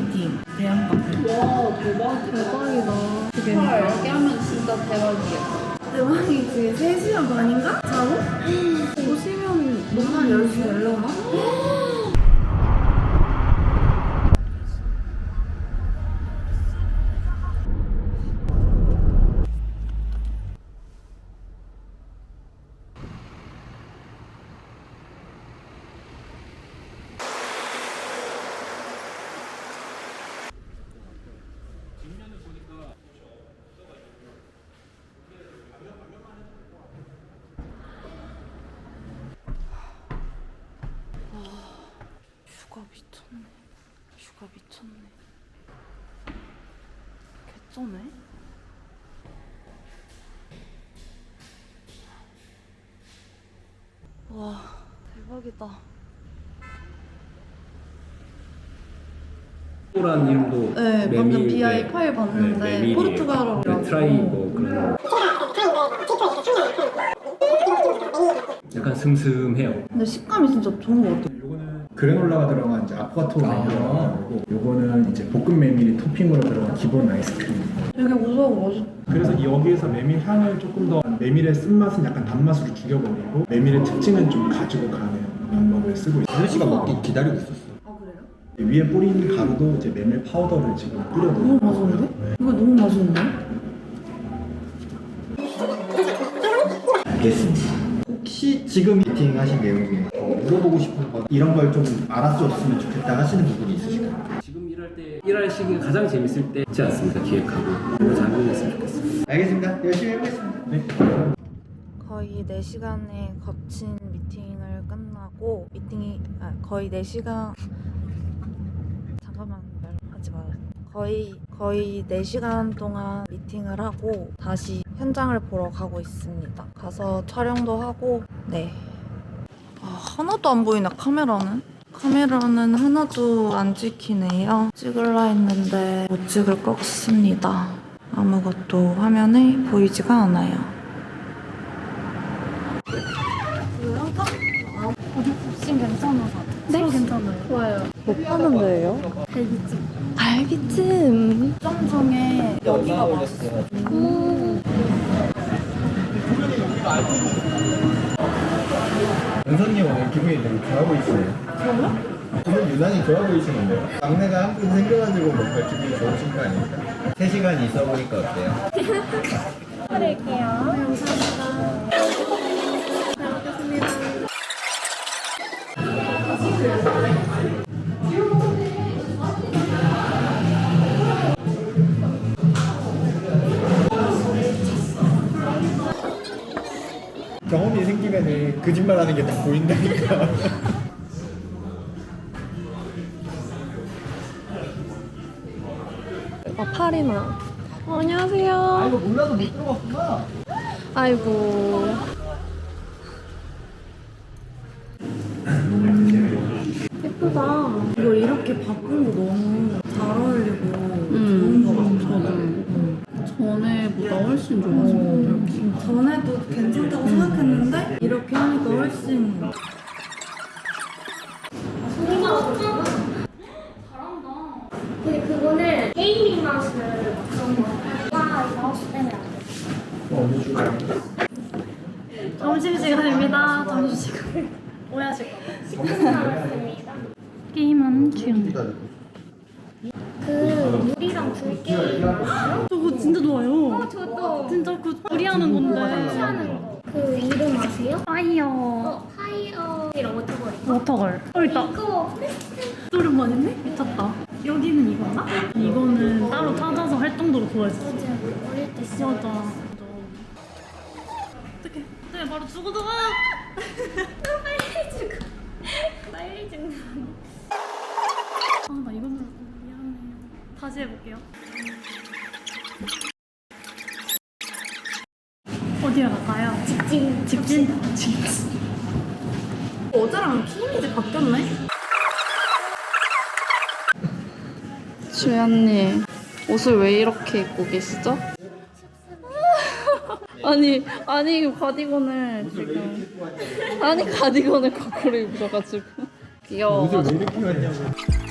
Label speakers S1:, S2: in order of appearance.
S1: 미팅 대형 카페.
S2: 와 대박이다. 헐 여기 하면 진짜 대박이겠다.
S1: 대박이지. 3시간 반인가? 자고? 오시면 너만 10시 되려나?
S2: 휴가 미쳤네. 휴가 미쳤네. 개쩌네. 와 대박이다.
S3: 라는 이름도
S2: 네 방금 BI 파일 봤는데
S3: 메밀이에요.
S2: 포르투갈어로
S3: 트라이 뭐 그런 약간 슴슴해요.
S2: 근데 식감이 진짜 좋은 것 같아.
S4: 요거는 그래놀라가 들어간 이제 아포가토 메밀이라고 하고 요거는 이제 볶음 메밀이 토핑으로 들어간 기본 아이스크림.
S2: 되게 고소하고 맛있.
S4: 그래서 여기에서 메밀 향을 조금 더 메밀의 쓴맛은 약간 단맛으로 죽여버리고 메밀의 특징은 좀 가지고 가는 방법을 쓰고 있어요.
S5: 혜리 씨가 먹기 기다리고 있었어.
S2: 아 그래요?
S4: 위에 뿌린 가루도 이제 메밀 파우더를 지금 뿌려놓은
S2: 너무 맛있는데? 이거 너무 맛있는데?
S5: 알겠습니다. 혹시 지금 미팅 하신 내용에 물어보고 싶은 거 이런 걸 좀 알았었으면 좋겠다 하시는 부분이 있으실까요?
S3: 지금 일할 때 일할 시기가 가장 재밌을 때 있지 않습니까? 기획하고 그거 잘 끝냈으면 좋겠습니다.
S5: 알겠습니다. 열심히 해보겠습니다.
S4: 네.
S2: 거의 4시간에 거친 미팅을 끝나고 거의 4시간 잠깐만 말하지 마요. 거의 4시간 동안 미팅을 하고 다시 현장을 보러 가고 있습니다. 가서 촬영도 하고 네. 하나도 안 보이나 카메라는? 카메라는 하나도 안 찍히네요. 찍을라 했는데 못 찍을 것 같습니다. 아무것도 화면에 보이지가 않아요.
S6: 훨씬 괜찮아서. 네? 괜찮아요. 좋아요.
S2: 뭐 파는 데예요?
S6: 갈비찜.
S2: 갈비찜. 점 중에 여기가 맛있어요.
S5: 은선님 오늘 기분이 되게 좋아 보이시네요. 기분 유난히 좋아 보이시는데요? 막내가 한 분 생겨가지고 뭔가 기분이 좋으신 거 아닙니까? 3시간 있어 보니까 어때요?
S6: 드릴게요. 감사합니다. 잘 먹겠습니다.
S5: 경험이 생기면은 거짓말하는 게 다 보인다니까.
S6: 파리나. 안녕하세요.
S5: 아이고 몰라도 못 들어갔구나.
S6: 아이고. 예쁘다.
S2: 이거 이렇게 바꾼 거 너무 잘 어울리고 좋은 거 같아.
S1: 전에보다 훨씬 좋아서.
S2: 전에도 괜찮다고 생각했는데 이렇게 하니까 훨씬
S6: 근데 그거는 게이밍 맛을 그런 거. 와, 이거 하우스 때문에 안 돼. 점심시간입니다. 점심시간. 오해하실까봐. 게임하는 취향. 그 물이랑 불 게임 아세요?
S7: 저거 진짜 좋아요.
S6: 저도
S7: 진짜 그 우리하는 건데.
S6: 하는 거. 그 이름 아세요?
S7: 파이어
S6: 파이어이랑 워터볼.
S7: 워터걸. 있다.
S6: 이거
S7: 오랜만이네? 미쳤다. 여기는 이거나? 이거는 따로 찾아서 할 정도로 좋아했어.
S6: 맞아. 어릴 때 진짜.
S7: 맞아. 어떡해. 어떡해. 바로 죽어들어.
S6: 빨리 죽어. 빨리 죽는.
S7: 아, 나 이거 눌렀어. 미안해요. 다시 해볼게요. 어디로 갈까요?
S6: 직진.
S7: 직진? 직진.
S2: 어제랑 키이미지 바뀌었네?
S8: 주연님, 옷을 왜 이렇게 입고 계시죠? 아니 가디건을 지금 가디건을 거꾸로 입으셔가지고 귀여워.
S5: 옷을 왜 이렇게 왔냐고.